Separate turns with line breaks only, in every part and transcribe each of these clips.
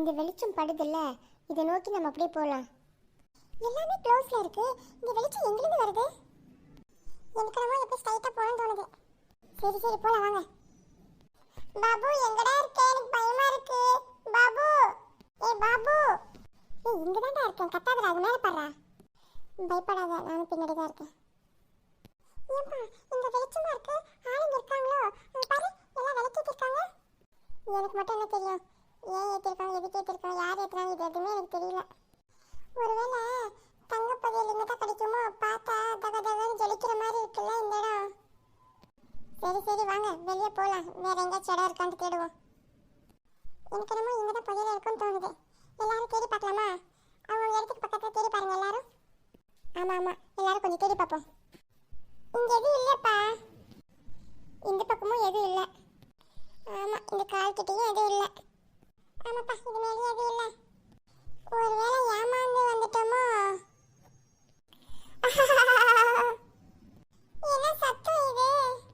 இந்த வெளிச்சம் படுதுல்ல, இதை நோக்கி நம்ம அப்படியே போகலாம். எல்லாமே க்ளோஸ்ல இருக்கு. இந்த வெளிச்சம் எங்கிருந்து வருது? எனக்கு நம்ம எப்படி ஸ்ட்ரைட்டா போகணும்னு தோணுது. சரி சரி போலாம் வாங்க. பாபு எங்கடா இருக்க? எனக்கு பயமா இருக்கு. பாபு, ஏய் பாபு, ஏய் இங்க தான்டா இருக்கேன். கத்தாதடா, அது மேல பாறா. பயப்படாத, நானும் பின்னாடி தான் இருக்கேன். ஏப்பா இந்த வெளிச்சமா இருக்கு, ஆளுங்க இருக்காங்களோ? அங்க பாரு, எல்லாம் விளக்கிட்டு இருக்காங்க. எனக்கு மட்டும் என்ன தெரியும்? ஏன் ஏற்றிருக்காங்க, எதுக்கு ஏற்றிருக்காங்க, யார் ஏற்றுறாங்க, இது எதுவுமே எனக்கு தெரியல. ஒருவேளை தங்கப்பதியல் இங்கே தான் கிடைக்குமோ? பார்த்தா தக தகன்னு ஜொலிக்கிற மாதிரி இருக்குல்ல இந்த இடம். சரி சரி வாங்க வெளியே போகலாம். வேற எங்கேயாச்சும் இடம் இருக்கான்னு தேடுவோம். எனக்கு என்னமோ இங்கே தான் பதியல் இருக்குன்னு தோணுது. எல்லாரும் தேடி பார்க்கலாமா? அவங்க இடத்துக்கு பக்கத்தில் தேடி பாருங்க எல்லாரும். ஆமாம் ஆமாம், எல்லாரும் கொஞ்சம் தேடி பார்ப்போம். இங்கே எதுவும் இல்லைப்பா. இந்த பக்கமும் எதுவும் இல்லை. ஆமாம், இந்த கால் கிட்டேயும் எதுவும் இல்லை. ஆமாப்பா, இது மேலேயும் எதுவும் இல்லை. ஒருவேளை ஏமாந்து வந்துட்டோமோ? என்ன சத்தம் இது?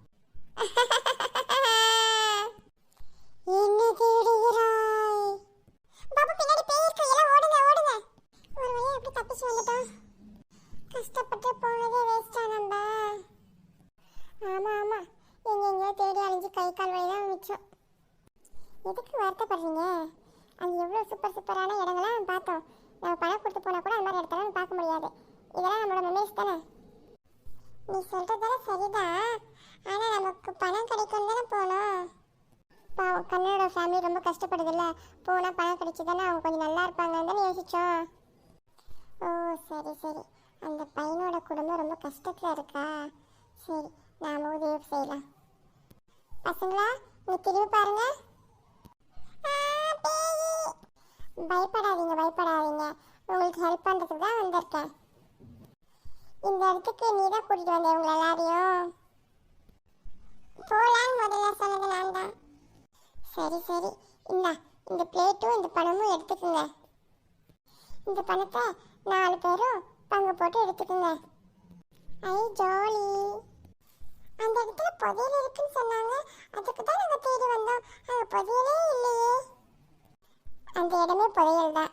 என்ன தேடுகிறாய்? பாபு பின்னாடி பேய் இருக்கு, எல்லாம் ஓடுங்க ஓடுங்க. ஒரு வழியா எப்படி தப்பிச்சு வந்துட்டோம்? கஷ்டப்பட்டு போனதே வேஸ்டா நம்ம. ஆமா ஆமா, எங்கெங்கயோ தேடி அழிஞ்சு கை கால் வழிதான் மிச்சம். எதுக்கு வருத்தப்படுறீங்க? அது எவ்வளோ சூப்பர் சூப்பரான இடங்கள்லாம் பார்த்தோம். நம்ம பணம் கொடுத்து போனால் கூட அந்த மாதிரி இடத்தெல்லாம் பார்க்க முடியாது. இதெல்லாம் நம்மளோட மெமரிஸ் தானே. நீ சொல்கிறதெல்லாம் சரிதான், ஆனால் நமக்கு பணம் கிடைக்கும் தானே போகணும். பாவம் கண்ணனோட ஃபேமிலி ரொம்ப கஷ்டப்படுதில்ல, போனால் பணம் கிடைச்சி தானே அவங்க கொஞ்சம் நல்லா இருப்பாங்கன்னு தானே யோசித்தோம். ஓ சரி சரி, அந்த பையனோட குடும்பம் ரொம்ப கஷ்டத்தில் இருக்கா? சரி, நாம் உதவி செய்யலாம். பசங்களா நீ திரும்பி பாருங்க. பயப்படாதீங்க பயப்படாதீங்க, உங்களுக்கு ஹெல்ப் பண்ணுறதுக்கு தான் வந்திருக்கேன். இந்த இடத்துக்கு நீ தான் கூட்டிகிட்டு வந்தேன் உங்களை எல்லாரையும். போகலான்னு முதல்ல சொன்னது நான் தான். சரி சரி, இந்த பிளேட்டும் இந்த பணமும் எடுத்துக்கோங்க. இந்த பணத்தை 4 பேரும் பங்கு போட்டு எடுத்துக்கோங்க. ஐ ஜாலி. அந்த இடத்துல புதையல் இருக்குன்னு சொன்னாங்க, அதுக்கு தான் நாங்கள் தேடி வந்தோம். அங்கே புதையலே இல்லையே. அந்த இடமே புதையல் தான்.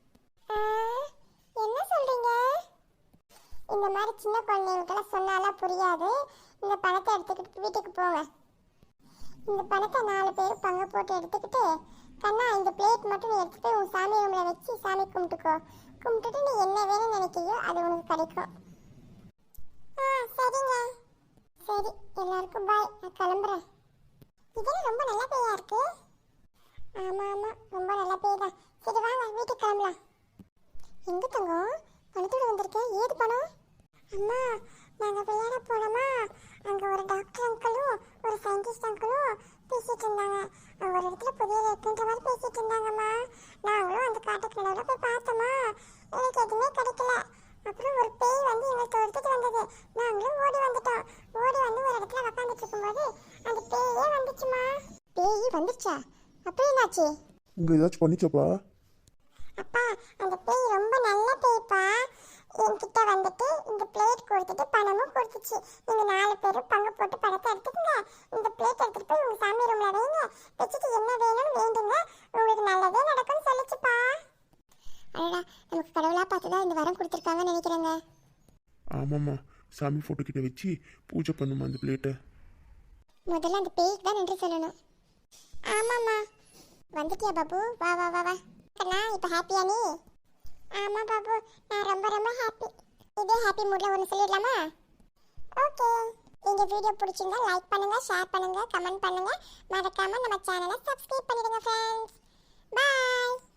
என்ன சொல்றீங்க? இந்த மாதிரி சின்ன குழந்தைங்களுக்கெல்லாம் சொன்னாலாம் புரியாது. இந்த பணத்தை எடுத்துக்கிட்டு வீட்டுக்கு போங்க. இந்த பணத்தை 4 பேரும் பங்கு போட்டு எடுத்துக்கிட்டு, கண்ணா இந்த பிளேட் மட்டும் நீ எடுத்து போய் உன் சாமி ரூமில் வச்சு சாமி கும்பிட்டுக்கோ. கும்பிட்டுட்டு நீ என்ன வேணும்னு நினைக்கிறியோ அது உனக்கு கிடைக்கும். சரிங்க. சரி எல்லாருக்கும் பாய், நான் கிளம்புறேன். இதெல்லாம் ரொம்ப நல்ல பேயா இருக்கு. ஆமாம் ஆமாம், ரொம்ப நல்ல பேய் தான். சரி வாங்க வீட்டுக்கு கிளம்பலாம். எங்கே தங்கம் பணத்தோடு வந்திருக்கேன்? ஏது பணம்? அம்மா நாங்கள் விளையாட போனோமா, அங்கே ஒரு டாக்டர் அங்கிளும் ஒரு சயின்டிஸ்ட் அங்கிளும் பேசிகிட்டு இருந்தாங்க. அவங்க ஒரு இடத்துல புதிய இருக்குன்ற மாதிரி பேசிகிட்டு இருந்தாங்கம்மா. நாங்களும் அந்த காட்டுக்கு நடுவில் போய் பார்த்தோமா, எனக்கு எதுவுமே கிடைக்கல. அப்புறம் ஒரு பேய் வந்து எங்களை தொடுத்துட்டு வந்தது. நாங்களும் ஓடி வந்துட்டோம். ஓடி வந்து ஒரு இடத்துல உக்காந்துட்டு இருக்கும்போது அந்த பேயே வந்துச்சுமா. பேய் வந்துச்சா? அப்போ என்னாச்சு?
உங்க ஏதாச்சும் பண்ணிச்சப்பா?
அப்பா அந்த பேய் ரொம்ப நல்ல பேய்ப்பா. என்கிட்ட வந்துட்டு இந்த பிளேட் கொடுத்துட்டு பணமும் கொடுத்துச்சு. நீங்க 4 பேரும் பங்கு போட்டு பணத்தை எடுத்துக்கங்க. இந்த பிளேட் எடுத்துட்டு போய் உங்க சாமி ரூம்ல வைங்க, வச்சுட்டு என்ன வேணும்னு வேண்டுங்க, உங்களுக்கு நல்லதே நடக்கும்னு சொல்லிச்சுப்பா. அடடா, நமக்கு கடவுளா பார்த்துதான் இந்த வரம் கொடுத்துருக்காங்கன்னு நினைக்கிறேங்க.
ஆமாம்மா, சாமி ஃபோட்டோ கிட்ட வச்சு பூஜை பண்ணுமா அந்த பிளேட்டை.
முதல்ல அந்த பேய்க்கு தான் நன்றி சொல்லணும். ஆமாம்மா. வந்துட்டியா பாபு? வா வா வா வா. கண்ணா இப்போ ஹாப்பியா நீ? ஆமாம் பாபு, நான் ரொம்ப ரொம்ப ஹாப்பி. இதே ஹாப்பி மூடில் ஒன்று சொல்லிடலாமா? ஓகே. இந்த வீடியோ பிடிச்சிருந்தா லைக் பண்ணுங்க, ஷேர் பண்ணுங்க, கமெண்ட் பண்ணுங்க. மறக்காம நம்ம சேனலை சப்ஸ்கிரைப் பண்ணிடுங்க ஃப்ரெண்ட்ஸ். பாய்.